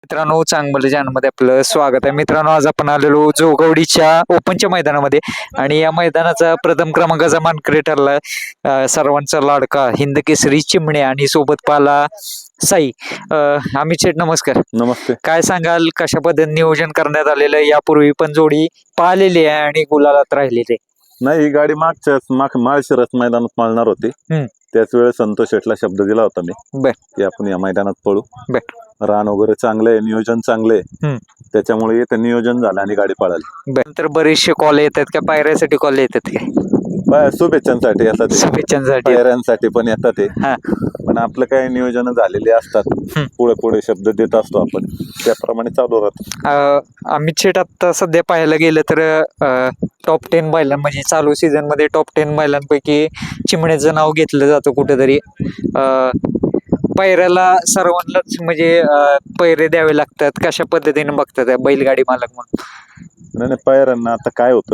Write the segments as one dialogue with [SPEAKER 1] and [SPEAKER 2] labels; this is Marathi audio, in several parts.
[SPEAKER 1] मित्रांनो चांगलं चॅनलमध्ये आपलं स्वागत आहे. मित्रांनो आज आपण आलेलो जोगवडीच्या ओपनच्या मैदानामध्ये आणि या मैदानाचा प्रथम क्रमांकाचा मानकरी ठरला सर्वांचा लाडका हिंद केसरी चिमणे आणि सोबत पाला साई. अमित शेठ नमस्कार.
[SPEAKER 2] नमस्ते.
[SPEAKER 1] काय सांगाल कशा पद्धतीने नियोजन करण्यात आलेलं आहे? यापूर्वी पण जोडी पाहिलेली आहे आणि गुलालात राहिलेली आहे.
[SPEAKER 2] नाही, ही गाडी माळशिरस मैदानात पाळणार होती. त्याच वेळेस संतोष शेटला शब्द दिला होता मी की आपण या मैदानात पळू. रान वगैरे चांगलंय, नियोजन चांगलंय, त्याच्यामुळे इथं नियोजन झालं आणि गाडी पळाली.
[SPEAKER 1] नंतर बरेचसे कॉल येतात का पायऱ्यासाठी कॉल येतात काय?
[SPEAKER 2] शुभेच्छांसाठी येतात,
[SPEAKER 1] शुभेच्छांसाठी
[SPEAKER 2] पायऱ्यांसाठी पण येतात ते. पण आपलं काही नियोजन झालेले असतात, पुढे पुढे शब्द देत असतो आपण, त्याप्रमाणे चालू राहतो.
[SPEAKER 1] अमित शेठ आता सध्या पाहायला गेलं तर टॉप 10 बैलां म्हणजे चालू सीझन मध्ये टॉप 10 बैलांपैकी चिमण्याचं नाव घेतलं जातं कुठेतरी. पैऱ्याला सर्वांनाच म्हणजे पैरे द्यावे लागतात, कशा पद्धतीने बघतात बैलगाडी मालक म्हणून?
[SPEAKER 2] नाही, पायऱ्यांना आता काय होतं,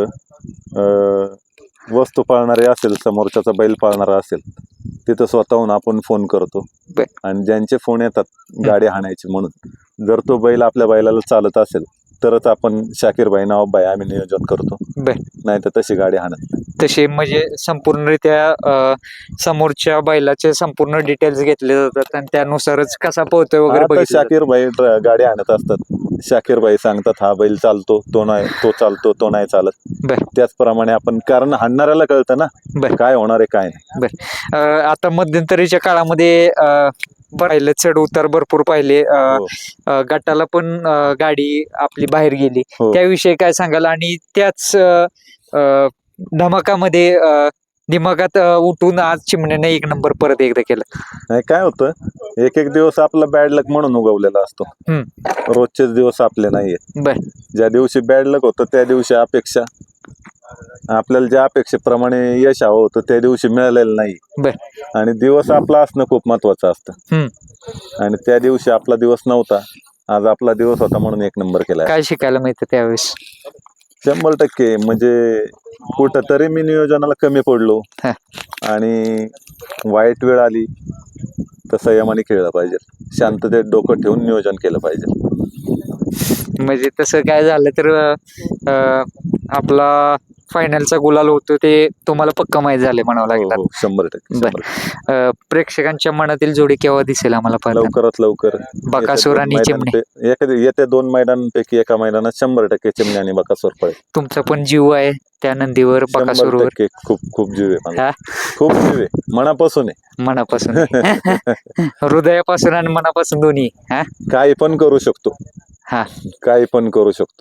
[SPEAKER 2] वस्तू पाळणारे असेल, समोरच्याचा बैल पाळणारा असेल, तिथं स्वतःहून आपण फोन करतो आणि ज्यांचे फोन येतात गाडी हाणायची म्हणून, जर तो बैल आपल्या बैलाला चालत असेल तरच आपण शाकीरबाई नावाबाई आम्ही नियोजन करतो, नाही तर तशी गाडी हाणत.
[SPEAKER 1] तसे म्हणजे संपूर्णरित्या समोरच्या बैलाचे संपूर्ण डिटेल्स घेतले जातात आणि त्यानुसारच कसा पोहतोय वगैरे
[SPEAKER 2] शाकीरबाई गाडी आणत असतात. शाकीरबाई सांगतात हा बैल चालतो, तो नाही, तो चालतो, तो नाही चालत. त्याचप्रमाणे आपण, कारण हाणणाऱ्याला कळतं ना काय होणार आहे काय नाही.
[SPEAKER 1] आता मध्यंतरीच्या काळामध्ये पाहिलं चढ उतार भरपूर पाहिले, गटाला पण गाडी आपली बाहेर गेली, त्याविषयी काय सांगाल? आणि त्याच धमाकामध्ये दिमागात उठून आज चिमण्याने 1 नंबर परत एकदा केला.
[SPEAKER 2] नाही, काय होतं, एक एक दिवस आपला बॅड लक म्हणून उगवलेला असतो, रोजचेच दिवस आपले नाहीये. ज्या दिवशी बॅड लक होतं त्या दिवशी अपेक्षा, आपल्याला ज्या अपेक्षेप्रमाणे यश हवं होतं त्या दिवशी मिळालेलं नाही, आणि दिवस आपला असणं खूप महत्वाचं असतं. आणि त्या दिवशी आपला दिवस नव्हता, आज आपला दिवस होता म्हणून 1 नंबर केला.
[SPEAKER 1] काय शिकायला मिळतं त्यावेळेस?
[SPEAKER 2] 100% म्हणजे कुठंतरी मी नियोजनाला कमी पडलो आणि वाईट वेळ आली तर संयमाने खेळलं पाहिजे, शांततेत डोकं ठेवून नियोजन केलं पाहिजे.
[SPEAKER 1] म्हणजे तसं काय झालं तर आपला फायनलचा गुलाल होतो ते तुम्हाला पक्का माहीत झाले म्हणावं लागेल.
[SPEAKER 2] 100%.
[SPEAKER 1] प्रेक्षकांच्या मनातील जोडी केव्हा दिसेल आम्हाला?
[SPEAKER 2] लवकरात लवकर.
[SPEAKER 1] बकासूर आणि चिमणे
[SPEAKER 2] येत्या 2 मैदानांपैकी एका मैदानात 100% चिमणे आणि बकासूर पडेल.
[SPEAKER 1] तुमचा पण जीव आहे त्या नंदीवर, बकासूरवर?
[SPEAKER 2] खूप खूप जीव आहे, खूप जीव आहे, मनापासून आहे.
[SPEAKER 1] मनापासून हृदयापासून आणि मनापासून दोन्ही.
[SPEAKER 2] काही पण करू शकतो, काही पण करू शकतो.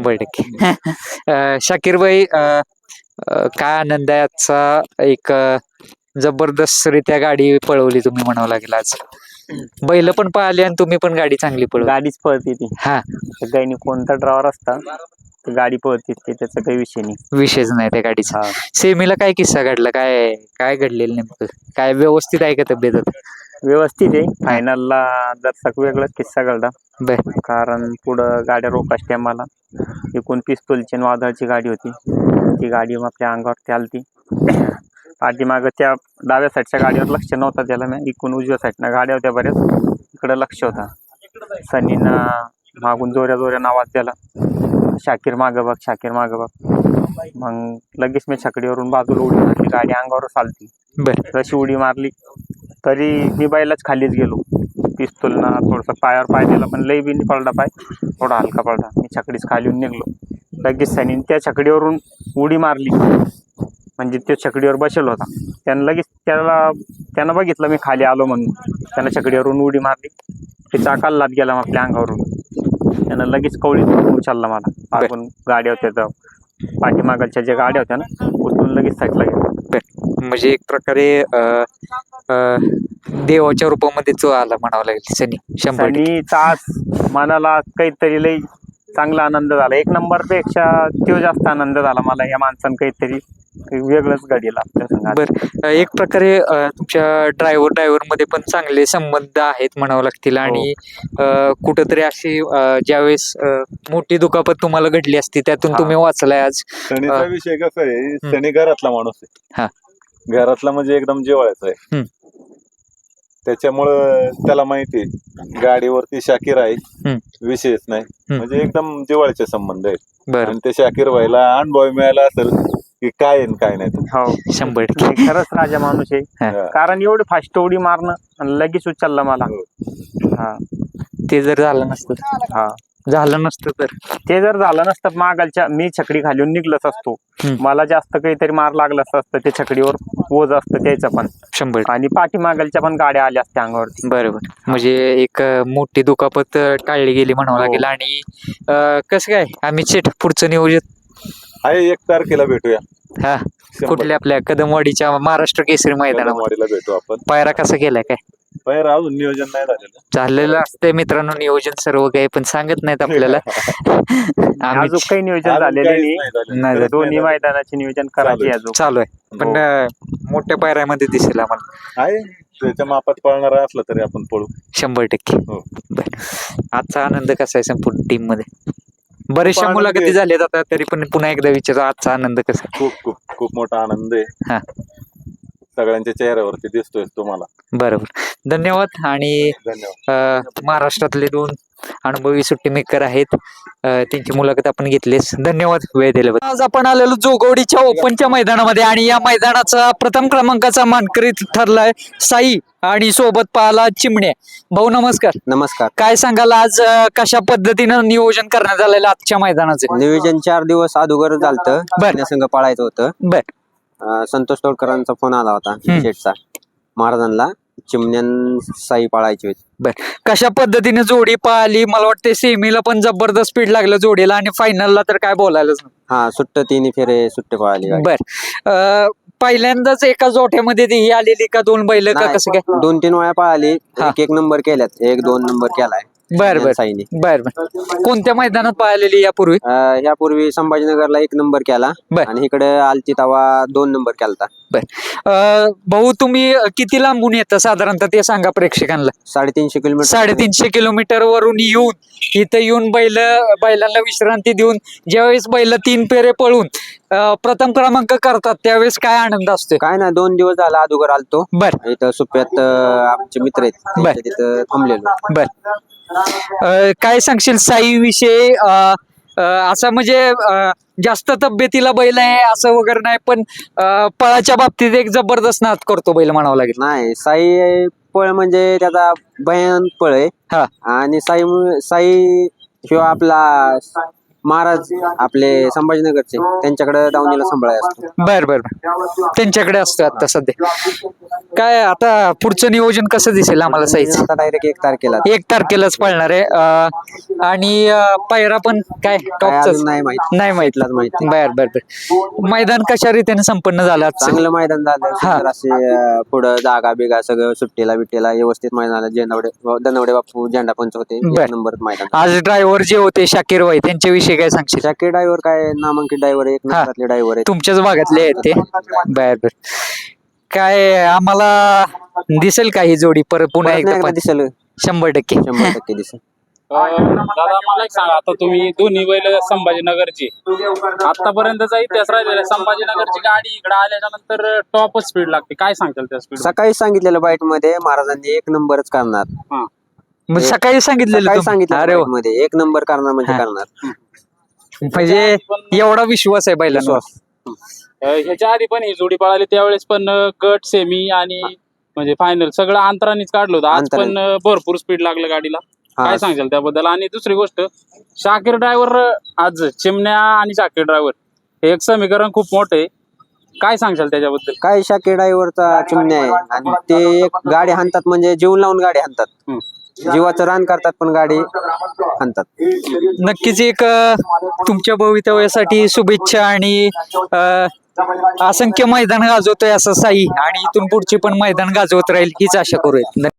[SPEAKER 1] 100%. शाकीरबाई, काय आनंद आहे आजचा? एक जबरदस्त रित्या गाडी पळवली तुम्ही म्हणावं लागेल आज. बैल पण पळाली आणि तुम्ही पण गाडी चांगली पळवली.
[SPEAKER 3] गाडीच पळते ती. काही कोणता ड्रायव्हर असता गाडी पळते, त्याचा काही विषय नाही,
[SPEAKER 1] विषयच नाही त्या गाडीचा. सेमीला काय किस्सा घडला? काय काय घडलेलं नेमकं? काय व्यवस्थित आहे का तब्येत?
[SPEAKER 3] व्यवस्थित आहे. फायनलला जरसा वेगळाच किस्सा घडला, कारण पुढं गाड्या रोकाच टायमाला एकूण पिस्तूलची वादळची गाडी होती, ती गाडी आपल्या अंगावरती आलती. पाठीमागं त्या डाव्या साईडच्या गाडीवर लक्ष नव्हता त्याला, मी एकूण उजव्या साईडनं गाड्या होत्या बऱ्याच, इकडं लक्ष होता. सनीनं मागून जोऱ्या जोऱ्यानं आवाज दिला, शाकीर मागं बघ, शाकीर मागं बघ. मग लगेच मी छकडीवरून बाजूला उडी मारली, गाडी अंगावरच आलती. जशी उडी मारली तरी मी बैलाच खालीच गेलो. पिस्तूलनं थोडंसं पायावर पाय दिला, पण लई बी पडला पाय, थोडा हलका पडला. मी छकडीच खाली येऊन निघलो. लगेच सनीने त्या छकडीवरून उडी मारली, म्हणजे तो छकडीवर बसेल होता. त्यानं लगेच त्यानं बघितलं मी खाली आलो म्हणून, त्यानं छकडीवरून उडी मारली, ते चाकाला लात गेला आपल्या अंगावरून. त्यानं लगेच कवळीत उचलला मला, आपण गाड्या होत्या पाठीमागच्या ज्या गाड्या होत्या ना, उचलून लगेच साईडला गेला.
[SPEAKER 1] म्हणजे एक प्रकारे देवाच्या रूपामध्ये जो आला म्हणावं लागेल सनी.
[SPEAKER 3] 100% आज मनाला काहीतरी लई चांगला आनंद झाला. 1 नंबरपेक्षा तो जास्त आनंद झाला मला. या माणसानं काहीतरी वेगळंच घडीला आपल्या संघात.
[SPEAKER 1] एक प्रकारे तुमच्या ड्रायव्हर मध्ये पण चांगले संबंध आहेत म्हणावं लागतील, आणि कुठंतरी अशी ज्यावेळेस मोठी दुखापत तुम्हाला घडली असती त्यातून तुम्ही वाचलाय आज.
[SPEAKER 2] सनीचा विषय कसा आहे, सनी घरातला माणूस आहे, घरातला म्हणजे एकदम जिव्हाळ्याचा आहे. त्याच्यामुळं त्याला माहिती गाडीवरती शाकीर आहे, विषयच नाही. म्हणजे एकदम जिव्हाळ्याचे संबंध आहेत.
[SPEAKER 1] बरं
[SPEAKER 2] आणि ते शाकीर व्हायला अनुभव मिळाला असेल की काय आहे आणि काय नाही ते.
[SPEAKER 3] हो
[SPEAKER 1] 100%.
[SPEAKER 3] नाही, खरंच राजा माणूस आहे.
[SPEAKER 2] हा.
[SPEAKER 3] कारण एवढी फास्ट उडी मारणं आणि लगेच उचलला मला.
[SPEAKER 2] हो.
[SPEAKER 3] हा
[SPEAKER 1] ते जर झालं नसतं
[SPEAKER 3] हा
[SPEAKER 1] झालं नसतं तर
[SPEAKER 3] ते जर झालं नसतं मागालच्या मी छकडी घालून निघलच असतो. मला जास्त काहीतरी मार लागलाच असतं. ते छकडीवर ओझ असतं त्याचं पण
[SPEAKER 1] 100%.
[SPEAKER 3] आणि पाठीमागालच्या पण गाड्या आल्या असत्या अंगावरती.
[SPEAKER 1] बरोबर. म्हणजे एक मोठी दुखापत टाळली गेली म्हणावं
[SPEAKER 3] हो.
[SPEAKER 1] लागेल. आणि कसं काय आम्ही शेट पुढचं नियोजन
[SPEAKER 2] आहे 1 तारखेला भेटूया.
[SPEAKER 1] हा
[SPEAKER 2] 100.
[SPEAKER 1] कुठल्या आपल्या कदमवाडीच्या महाराष्ट्र केसरी मैदानामध्ये
[SPEAKER 2] कदमवाडीला भेटू आपण.
[SPEAKER 1] पायरा कसा केलाय काय
[SPEAKER 2] बाहेर अजून नियोजन नाही झालेलं.
[SPEAKER 1] झालेलं असतंय मित्रांनो नियोजन सर्व काही पण सांगत नाहीत आपल्याला. आम्ही
[SPEAKER 3] अजून काही नियोजन
[SPEAKER 2] अजून
[SPEAKER 3] झालेलं
[SPEAKER 2] काहीच
[SPEAKER 3] नाही.
[SPEAKER 2] नाही झालेलं.
[SPEAKER 1] नाही
[SPEAKER 2] खरंच
[SPEAKER 3] दोन्ही
[SPEAKER 2] नाही झालेलं.
[SPEAKER 3] मैदानाचे नियोजन करायचे अजून.
[SPEAKER 1] चालू आहे पण मोठ्या पायऱ्यामध्ये दिसेल आम्हाला
[SPEAKER 2] आहे त्याच्या मापात पळणार असलं तरी आपण पळू.
[SPEAKER 1] 100%.
[SPEAKER 2] हो.
[SPEAKER 1] आजचा आनंद कसा आहे संपूर्ण टीम मध्ये बरेचशा
[SPEAKER 2] आनंद
[SPEAKER 1] मुलाखती
[SPEAKER 2] आहे.
[SPEAKER 1] झाल्यात आता तरी पण पुन्हा एकदा विचार आजचा आनंद कसा आहे?
[SPEAKER 2] खूप खूप खूप मोठा आनंद
[SPEAKER 1] हा.
[SPEAKER 2] आहे. सगळ्यांच्या चेहऱ्यावरती दिसतोय तुम्हाला.
[SPEAKER 1] बरोबर. धन्यवाद. आणि
[SPEAKER 2] धन्यवाद.
[SPEAKER 1] महाराष्ट्रातले 2 अनुभवी सुट्टी मेकर आहेत, त्यांची मुलाखत आपण घेतलीस. धन्यवाद वेळ दिल्याबद्दल. आज आपण आलेलो जोगवडीच्या ओपनच्या मैदानामध्ये आणि या मैदानाचा प्रथम क्रमांकाचा मानकरी ठरलाय साई आणि सोबत पाहला चिमण्या. भाऊ नमस्कार.
[SPEAKER 4] नमस्कार.
[SPEAKER 1] काय सांगाल आज कशा पद्धतीनं नियोजन करण्यात आलेलं आजच्या मैदानाचे?
[SPEAKER 4] नियोजन 4 दिवस अगोदर झालतं.
[SPEAKER 1] बर.
[SPEAKER 4] संघ पळायचं होतं.
[SPEAKER 1] बर.
[SPEAKER 4] संतोष तोडकरांचा फोन आला होता शेठचा महाराजांना चिमण्यान साई पळायची होती.
[SPEAKER 1] कशा पद्धतीने जोडी पाहिली? मला वाटते सेमीला पण जबरदस्त स्पीड लागलं जोडीला आणि फायनलला तर काय बोलायलाच नाही.
[SPEAKER 4] हा सुट्ट 3 फेरे सुट्टे पळाली गाडी.
[SPEAKER 1] बर. पहिल्यांदाच एका जोठ्यामध्ये ती ही आलेली का 2 बैल का
[SPEAKER 4] नाही,
[SPEAKER 1] कसं काय?
[SPEAKER 4] 2-3 वेळा पळाली.
[SPEAKER 1] हा.
[SPEAKER 4] 1 नंबर केल्यात. 1-2 नंबर केलाय
[SPEAKER 1] बर बर
[SPEAKER 4] साईने.
[SPEAKER 1] बर बर. कोणत्या मैदानात पाहिलेली यापूर्वी?
[SPEAKER 4] यापूर्वी संभाजीनगरला 1 नंबर केला
[SPEAKER 1] बर.
[SPEAKER 4] आणि इकडे आलती तवा 2 नंबर केलता.
[SPEAKER 1] भाऊ तुम्ही किती लांबून येता साधारणतः ते सांगा प्रेक्षकांना.
[SPEAKER 4] 350 किलोमीटर.
[SPEAKER 1] 350 किलोमीटर वरून येऊन इथं येऊन बैलांना विश्रांती देऊन ज्यावेळेस बैल 3 फेरे पळून प्रथम क्रमांक करतात त्यावेळेस काय आनंद असतो?
[SPEAKER 4] काय ना 2 दिवस झाला अगोदर आलतो.
[SPEAKER 1] बर
[SPEAKER 4] इथं सुप्यात आमचे मित्र आहेत
[SPEAKER 1] बर.
[SPEAKER 4] त्यांच्या तिथं थांबलेलो.
[SPEAKER 1] बर. काय सांगशील साई विषयी? असं म्हणजे जास्त तब्येतीला बैल आहे असं वगैरे नाही, पण पळाच्या बाबतीत एक जबरदस्त नाद करतो बैल म्हणावं लागेल.
[SPEAKER 4] नाही साई पळ म्हणजे त्याचा भयान पळ आहे.
[SPEAKER 1] हा.
[SPEAKER 4] आणि साई किंवा आपला महाराज आपले संभाजीनगरचे त्यांच्याकडे दावणीला सांभाळाय असतो.
[SPEAKER 1] बर बर बर. त्यांच्याकडे असतो आता सध्या. काय आता पुढचं नियोजन कसं दिसेल आम्हाला साईच?
[SPEAKER 4] आता डायरेक्ट 1 तारखेला
[SPEAKER 1] 1 तारखेलाच पळणार आहे. आणि पायरा पण काय
[SPEAKER 4] काय
[SPEAKER 1] टॉपच
[SPEAKER 4] अजून नाही माहिती.
[SPEAKER 1] नाही माहिती.
[SPEAKER 4] इथलाच माहिती.
[SPEAKER 1] बर बर बर. मैदान कशा रीतीने संपन्न झालं आजचं?
[SPEAKER 4] चांगलं मैदान झालं.
[SPEAKER 1] हा.
[SPEAKER 4] सुंदर असे पुढं जागा बिगा सगळं सुट्टीला बिट्टीला व्यवस्थित मैदान झालं. दनवडे बापू झेंडा पंच होते.
[SPEAKER 1] बर.
[SPEAKER 4] 1 नंबर मैदान.
[SPEAKER 1] आज ड्रायव्हर जे होते शाकीर भाई त्यांच्याविषयी काय सांगशील?
[SPEAKER 4] शाकीर ड्रायव्हर काय नामांकित ड्रायव्हर आहे. 1 नंबरातले ड्रायव्हर आहे.
[SPEAKER 1] तुमच्याच भागातले आहेत ते? बर बर. काय आम्हाला दिसेल का ही जोडी परत पुन्हा एकदा
[SPEAKER 4] एकदा दिसेल
[SPEAKER 1] 100%?
[SPEAKER 4] 100% दिसेल.
[SPEAKER 5] दादा मला एक सांगा, आता तुम्ही दोन्ही बैल संभाजीनगरची आतापर्यंतचा इतिहास राहिलेला संभाजीनगरची गाडी इकडे आल्याच्या नंतर टॉपच स्पीड लागते, काय सांगताल त्या स्पीड?
[SPEAKER 4] सकाळी सांगितलेलं बाईट मध्ये महाराजांनी 1 नंबरच करणार.
[SPEAKER 1] मग सकाळी सांगितलेलं
[SPEAKER 4] सकाळी
[SPEAKER 1] तुम-
[SPEAKER 4] सांगितलं
[SPEAKER 1] अरे वा.
[SPEAKER 4] मध्ये 1 नंबर करणार म्हणजे
[SPEAKER 1] हा.
[SPEAKER 4] करणार.
[SPEAKER 1] म्हणजे एवढा विश्वास आहे बैलांवर.
[SPEAKER 5] ह्याच्या आधी पण ही जोडी पळाली त्यावेळेस पण गट सेमी आणि म्हणजे फायनल सगळं अंतरानेच काढलं होतं. आज पण भरपूर स्पीड लागलं गाडीला,
[SPEAKER 4] हा.
[SPEAKER 5] काय सांगाल त्याबद्दल? आणि दुसरी गोष्ट, शाकीर ड्रायव्हर आज चिमण्या आणि शाकीर ड्रायव्हर हे एक समीकरण खूप मोठं आहे, काय सांगशाल त्याच्याबद्दल?
[SPEAKER 4] काय शाकीर ड्रायव्हरचा चिमण्या आहे आणि ते एक गाडी हाणतात म्हणजे जीव लावून गाडी हाणतात. जीवाचं रान करतात पण गाडी हाणतात.
[SPEAKER 1] नक्कीच एक तुमच्या भवितव्यासाठी शुभेच्छा आणि असंख्य मैदान गाजवतोय असं साई आणि इथून पुढची पण मैदान गाजवत राहील हीच आशा करूया.